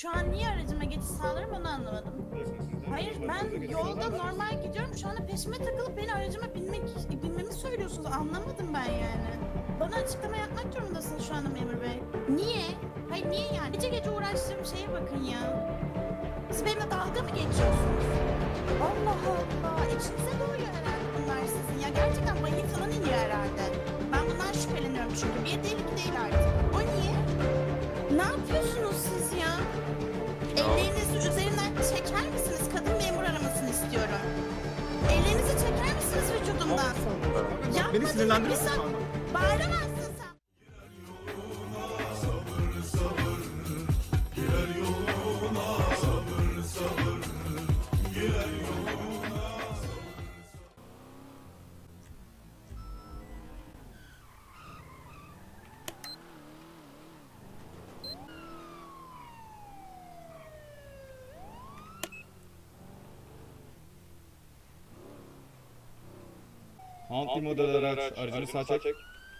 Şu an niye aracıma geçiş sağlarım onu anlamadım. Hayır, ben yolda normal gidiyorum. Şu anda peşime takılıp beni aracıma binmemi söylüyorsunuz. Anlamadım ben yani. Bana açıklama yapmak durumundasınız şu anda memur bey. Niye? Hayır niye yani? Gece gece uğraştığım şeye bakın ya. Siz benimle dalga mı geçiyorsunuz? Allah Allah. İçinize doğuyor herhalde bunlar sizin ya. Gerçekten vahiy falan iniyor herhalde. Ben bundan şüpheleniyorum çünkü. Bir değil iki değil artık. O niye? Ne yapıyorsunuz siz ya? Ellerinizi üzerinden çeker misiniz? Kadın memur aramasını istiyorum. Ellerinizi çeker misiniz vücudumdan? Beni sinirlendiriyorsun şu anda. Bağıramazsın sen. Hanti model araç, aracını sağ çek.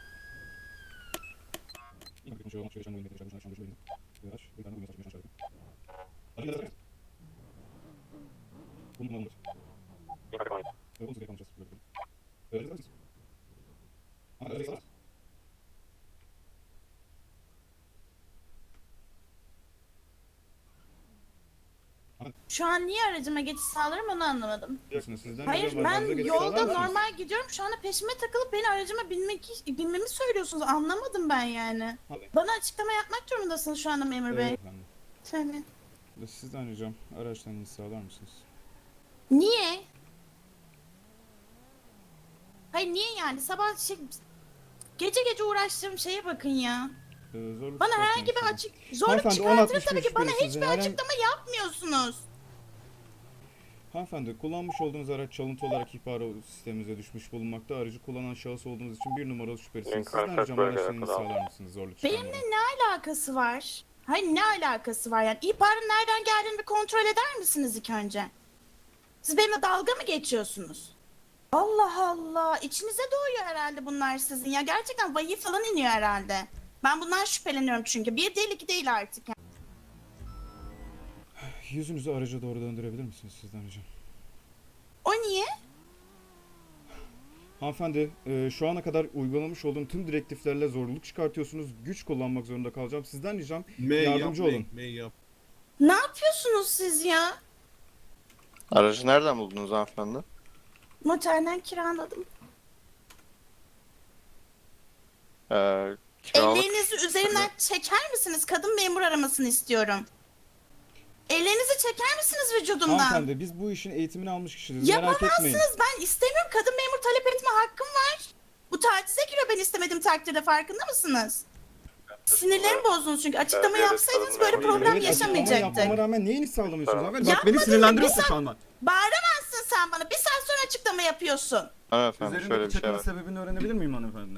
Şu an niye aracıma geçiş sağlarım onu anlamadım. Sizden Hayır, rica ben aracınıza geçiş yolda sağlar mısınız? normal gidiyorum. Şu anda peşime takılıp beni aracıma binmemi söylüyorsunuz. Anlamadım ben yani. Hadi. Bana açıklama yapmak durumundasınız şu anda memur bey. Evet efendim. Tabii. Sizden ricam araçtan iniş sağlar mısınız? Niye? Hayır niye yani? Sabah gece gece uğraştığım şeye bakın ya. Zorluk Bana çıkartmayın herhangi bir lütfen. zorluk Hanımefendi, çıkartırım 10.61 tabii ki. Bana şüpheli hiçbir sizin. Herhangi- açıklama yapmıyorsunuz. Hanımefendi, kullanmış olduğunuz araç çalıntı olarak ihbar sistemimize düşmüş bulunmakta. Aracı kullanan şahıs olduğunuz için bir numaralı şüphelisiniz. Sizden ricam araçtan iniş sağlar mısınız? Zorluk çıkarmayın. Benimle ne alakası var? Hayır ne alakası var yani? İhbarın nereden geldiğini bir kontrol eder misiniz ilk önce? Siz benimle dalga mı geçiyorsunuz? Allah Allah. İçinize doğuyor herhalde bunlar sizin ya. Gerçekten vahiy falan iniyor herhalde. Ben bundan şüpheleniyorum çünkü. Bir değil iki değil artık. Yani. Yüzünüzü araca doğru döndürebilir misiniz? Sizden ricam. O niye? Hanımefendi, şu ana kadar uygulamış olduğum tüm direktiflerle zorluk çıkartıyorsunuz. Güç kullanmak zorunda kalacağım. Sizden ricam yardımcı olun. Ne yapıyorsunuz siz ya? Aracı nereden buldunuz hanımefendi? Motelden kiraladım. Kiralık. Ellerinizi üzerinden çeker misiniz? Kadın memur aramasını istiyorum. Ellerinizi çeker misiniz vücudumdan? Hanımefendi, biz bu işin eğitimini almış kişileriz. Merak etmeyin. Yapamazsınız. Ben istemiyorum. Kadın memur talep etme hakkım var. Bu tacize giriyor ben istemediğim takdirde, farkında mısınız? Sinirlerimi bozdunuz çünkü. Açıklama Evet, yapsaydınız kadın böyle memur. problem Evet, açıklama yaşamayacaktık. yapmama rağmen niye iniş sağlamıyorsunuz Tamam. hanımefendi? Bak Yapmadın beni da sinirlendiriyorsun bir şu anda. Bağıramazsın sen bana. Bir saat sonra açıklama yapıyorsun. Hanımefendi şöyle Üzerindeki bir şey çakının var. sebebini öğrenebilir miyim hanımefendi?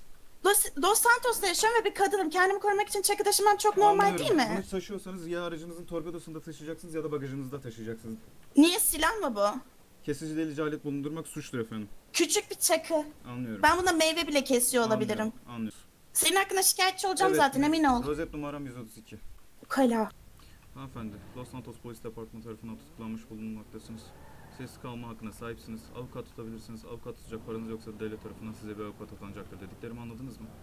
Dos Santos'ta yaşıyorum ve bir kadınım. Kendimi korumak için çakı taşımam çok normal Anlıyorum. değil mi? Bunu taşıyorsanız ya aracınızın torpidosunda taşıyacaksınız ya da bagajınızda taşıyacaksınız. Niye, silah mı bu? Kesici delici alet bulundurmak suçtur efendim. Küçük bir çakı. Anlıyorum. Ben buna meyve bile kesiyor olabilirim. Anlıyorum. Senin hakkında şikayetçi olacağım Evet, zaten, emin ol. Rozet numaram 132. Ukala. Hanımefendi, Los Santos Polis Departmanı tarafından tutuklanmış bulunmaktasınız. Sessiz kalma hakkına sahipsiniz. Avukat tutabilirsiniz. Avukat tutacak paranız yoksa devlet tarafından size bir avukat atanacaktır dediklerimi anladınız mı?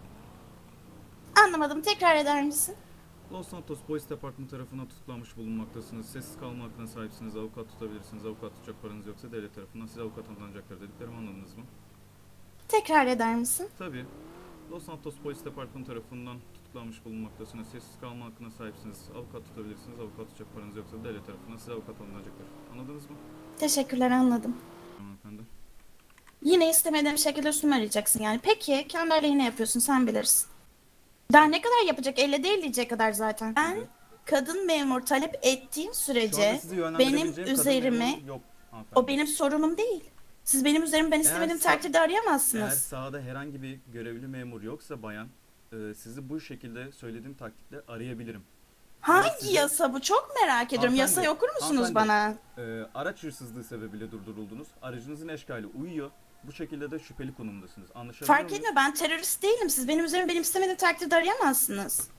Anlamadım. Tekrar eder misin? Los Santos Polis Departmanı tarafından tutuklanmış bulunmaktasınız. Sessiz kalma hakkına sahipsiniz. Avukat tutabilirsiniz. Avukat tutacak paranız yoksa devlet tarafından size avukat atanacaktır dediklerimi anladınız mı? Tekrar eder misin? Tabii. Los Santos Polis Departmanı tarafından tutuklanmış bulunmaktasınız. Sessiz kalma hakkına sahipsiniz. Avukat tutabilirsiniz. Avukat tutacak paranız yoksa devlet tarafından size avukat alınacaktır. Anladınız mı? Teşekkürler, anladım. Hanımefendi. Yine istemediğim şekilde üstüme arayacaksın yani. Peki kendi aleyhine yapıyorsun, sen bilirsin. Daha ne kadar yapacak? Elle değil diyecek kadar zaten. Ben kadın memur talep ettiğim Şu sürece anda sizi benim yönlendirebileceğim kadın üzerime, memuru yok hanımefendi. o benim sorunum değil. Siz benim üzerime ben istemediğim sa- takdirde Eğer arayamazsınız. sahada herhangi bir görevli memur yoksa bayan, sizi bu şekilde söylediğim taktikle arayabilirim. Hangi size- yasa bu? Çok merak ediyorum. Hanımefendi, Yasayı okur musunuz hanımefendi. bana? Araç hırsızlığı sebebiyle durduruldunuz. Aracınızın eşkali uyuyor. Bu şekilde de şüpheli konumdasınız. Anlaşılıyor Fark etmiyor, ben terörist değilim. Siz benim üzerime benim istemediğim takdirde arayamazsınız.